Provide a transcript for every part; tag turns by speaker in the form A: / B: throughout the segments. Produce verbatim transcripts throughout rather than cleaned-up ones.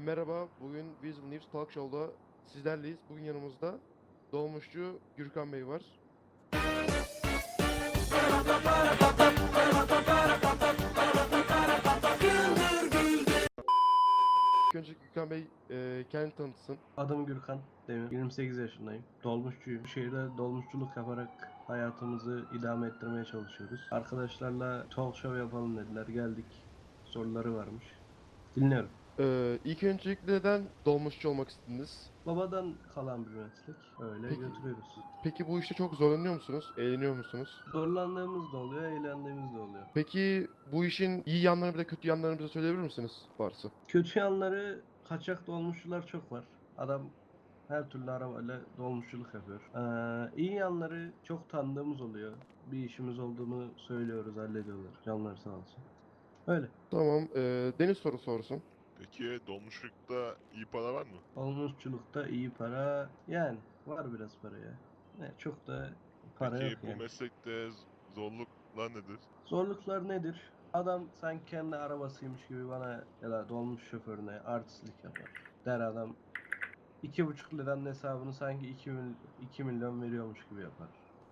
A: Merhaba, bugün Visible News Talk Show'da sizlerleyiz. Bugün yanımızda dolmuşçu Gürkan Bey var. İlk önce Gürkan Bey e, kendini tanıtsın.
B: Adım Gürkan Demir. yirmi sekiz yaşındayım. Dolmuşçuyum. Şehirde dolmuşçuluk yaparak hayatımızı idame ettirmeye çalışıyoruz. Arkadaşlarla talk show yapalım dediler. Geldik. Soruları varmış. Dinliyorum.
A: E, ilk öncelikle neden dolmuşçu olmak istediniz?
B: Babadan kalan bir meslek. Öyle
A: Peki,
B: götürüyoruz.
A: peki bu işte çok zorlanıyor musunuz? Eğleniyor musunuz?
B: Zorlandığımız da oluyor, eğlendiğimiz de oluyor.
A: Peki bu işin iyi yanlarını bir de kötü yanlarını bize söyleyebilir misiniz varsa?
B: Kötü yanları, kaçak dolmuşçular çok var. Adam her türlü arabayla dolmuşçuluk yapıyor. Ee, iyi yanları çok tanıdığımız oluyor. Bir işimiz olduğunu söylüyoruz, hallediyorlar. Canları sağ olsun. Öyle.
A: Tamam, e, Deniz soru sorsun.
C: Peki dolmuşlukta iyi para var mı?
B: Dolmuşçulukta iyi para, yani var biraz para ya. Ne, çok da para
C: Peki
B: yok
C: bu
B: yani.
C: meslekte z- zorluklar nedir?
B: Zorluklar nedir? Adam sanki kendi arabasıymış gibi bana ya da dolmuş şoförüne artistlik yapar. Der adam iki buçuk liranın hesabını sanki iki, mil, iki milyon veriyormuş gibi yapar.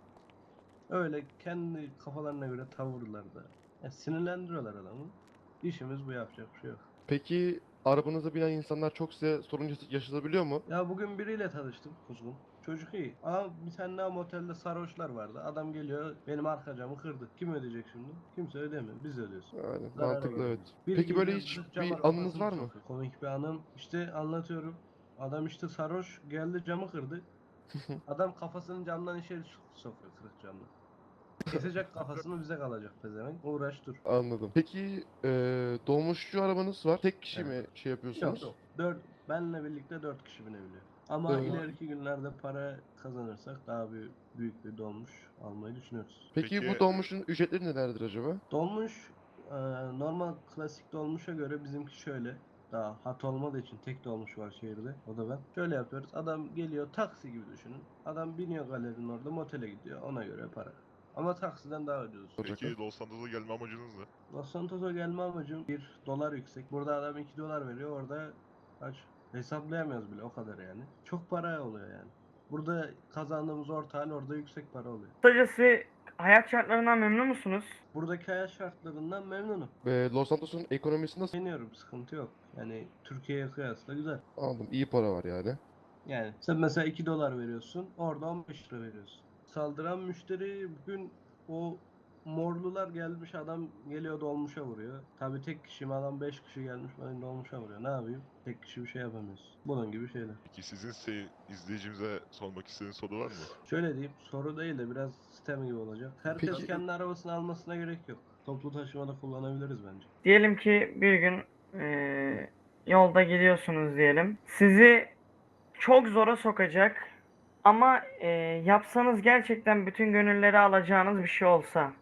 B: Öyle kendi kafalarına göre tavırlarda. Ya sinirlendiriyorlar adamı. İşimiz bu, yapacak bir şey yok.
A: Peki arabanıza binen insanlar çok size sorun yaş- yaşatabiliyor mu?
B: Ya bugün biriyle tanıştım kuzgun. Çocuk iyi. Ama bir tane daha motelde sarhoşlar vardı. Adam geliyor benim arka camı kırdı. Kim ödeyecek şimdi? Kimse ödemiyor. Biz ödüyoruz.
A: Yani
B: Zarara
A: mantıklı, evet.
B: geliyor. Biri
A: Peki böyle
B: geliyor
A: hiç
B: zırt cama
A: bir anınız
B: kafasını
A: var mı?
B: sokuyor. Komik bir anım. İşte anlatıyorum. Adam işte sarhoş geldi, camı kırdı. Adam kafasını camdan içeri sokuyor, kırık camdan. Kesecek kafasını, bize kalacak pezevenk. Uğraş dur.
A: Anladım. Peki eee dolmuşçu arabanız var. Tek kişi
B: Evet.
A: mi şey
B: Yok
A: yapıyorsunuz?
B: yok. Dört, benle birlikte dört kişi binebiliyor. Ama
A: Ee,
B: ileriki günlerde para kazanırsak daha bir büyük bir dolmuş almayı düşünüyoruz.
A: Peki bu
C: Peki-
A: dolmuşun ücretleri nelerdir acaba?
B: Dolmuş e, normal klasik dolmuşa göre bizimki şöyle. Daha hat olmadığı için tek dolmuş var şehirde. O da ben. Şöyle yapıyoruz. Adam geliyor, taksi gibi düşünün. Adam biniyor galerinin orada, motele gidiyor. Ona göre para. Ama taksiden daha ucuz.
A: Olacak
C: Peki Los Santos'a gelme amacınız ne?
B: Los Santos'a gelme amacım bir dolar yüksek. Burada adam iki dolar veriyor. Orada kaç? Hesaplayamıyoruz bile, o kadar yani. Çok para oluyor yani. Burada kazandığımız orta hal orada yüksek para oluyor.
D: Kısacası hayat şartlarından memnun musunuz?
B: Buradaki hayat şartlarından memnunum.
A: Ve Los Santos'un ekonomisi nasıl?
B: Beğeniyorum, sıkıntı yok. Yani Türkiye'ye kıyasla güzel.
A: Anladım. İyi para var yani.
B: Yani sen mesela iki dolar veriyorsun, orada on beş lira veriyorsun. Saldıran müşteri bugün o morlular gelmiş, adam geliyor dolmuşa vuruyor. Tabi tek kişi mi, adam beş kişi gelmiş bana dolmuşa vuruyor. Ne yapayım? Tek kişi bir şey yapamıyorsun. Bunun gibi şeyler.
C: Peki sizin se- izleyicimize sormak istediğiniz soru var mı?
B: Şöyle diyeyim, soru değil de biraz sistem gibi olacak. Herkes
A: Peki-
B: kendi arabasını almasına gerek yok. Toplu taşımada kullanabiliriz bence.
D: Diyelim ki bir gün eee, yolda gidiyorsunuz diyelim. Sizi çok zora sokacak ama eee, yapsanız gerçekten bütün gönülleri alacağınız bir şey olsa.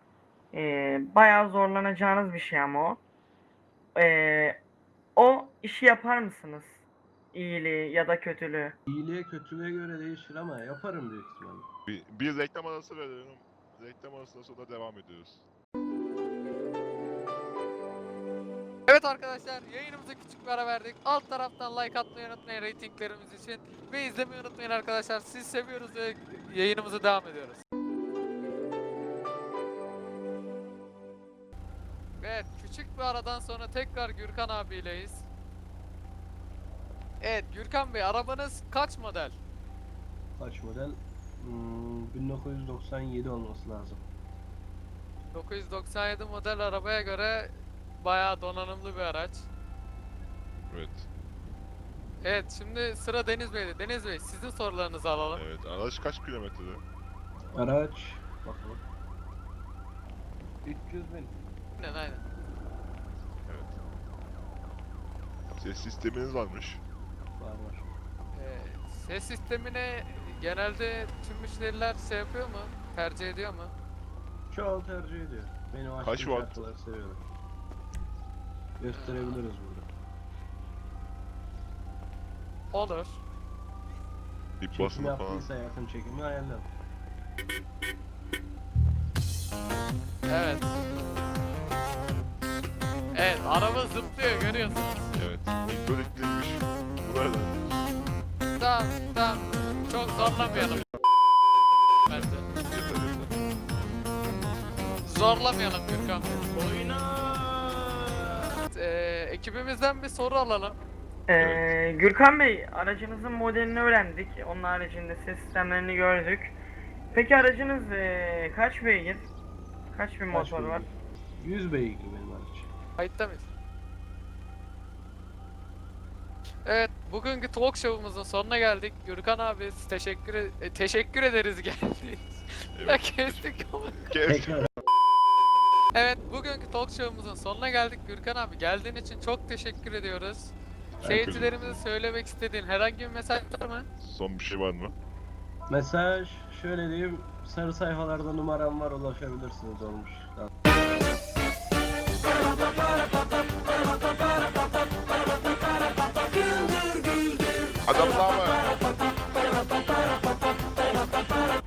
D: Eee bayağı zorlanacağınız bir şey ama o. Eee, o işi yapar mısınız? İyiliği ya da kötülüğü.
B: İyiliğe kötülüğe göre değişir ama yaparım büyük ihtimalle.
C: Bir, bir reklam arası verelim. Reklam arasından sonra devam ediyoruz.
E: Evet arkadaşlar, yayınımıza küçük bir ara verdik. Alt taraftan like atmayı unutmayın reytinglerimiz için. Ve izlemeyi unutmayın arkadaşlar. Siz seviyoruz ve yayınımıza devam ediyoruz. Evet, küçük bir aradan sonra tekrar Gürkan abileyiz. Evet Gürkan Bey, arabanız kaç model?
B: Kaç model? Hmm, bin dokuz yüz doksan yedi olması lazım.
E: dokuz yüz doksan yedi model arabaya göre bayağı donanımlı bir araç.
C: Evet.
E: Evet, şimdi sıra Deniz Bey'de. Deniz Bey, sizin sorularınızı alalım.
C: Evet. Araç kaç kilometrede?
B: Araç bakalım. üç yüz bin.
E: Aynen aynen.
C: Evet. Ses sisteminiz varmış.
B: Var var.
E: Ee, ses sistemine genelde tüm müşteriler şey yapıyor mu? Tercih ediyor mu?
B: Çoğu tercih ediyor. Benim
C: Kaç
B: açtığım
C: watt?
B: şarkıları seviyorlar. Gösterebiliriz burada.
E: Olur.
C: Bir
B: Çekim
C: basını falan.
B: yaptıysa yakın çekimi ayarlayalım.
E: Evet. Evet, araba zıplıyor görüyorsunuz.
C: Evet. Böylelikle
E: zorlamayalım. Bence. Zorlamayalım Gürkan Bey. Ee, ekibimizden bir soru alalım.
D: Ee, Gürkan Bey, aracınızın modelini öğrendik. Onun haricinde ses sistemlerini gördük. Peki aracınız ee, kaç beygir? Kaç bin
B: Kaç
D: motor var?
B: beygir? yüz beygir benim araç.
E: Kayıtta mıyız? Evet, bugünkü talk show'umuzun sonuna geldik. Gürkan abi teşekkür e- e, teşekkür ederiz geldiğiniz. Ya kestik ama.
C: Kes.
B: Tekrar
E: Evet, bugünkü talk show'umuzun sonuna geldik. Gürkan abi geldiğin için çok teşekkür ediyoruz.
C: Ben
E: Seyircilerimize söylemek istediğin herhangi bir mesaj var mı?
C: Son bir şey var mı?
B: mesaj şöyle diyeyim, sarı sayfalarda numaram var, ulaşabilirsiniz olmuş.
C: Adam daha var.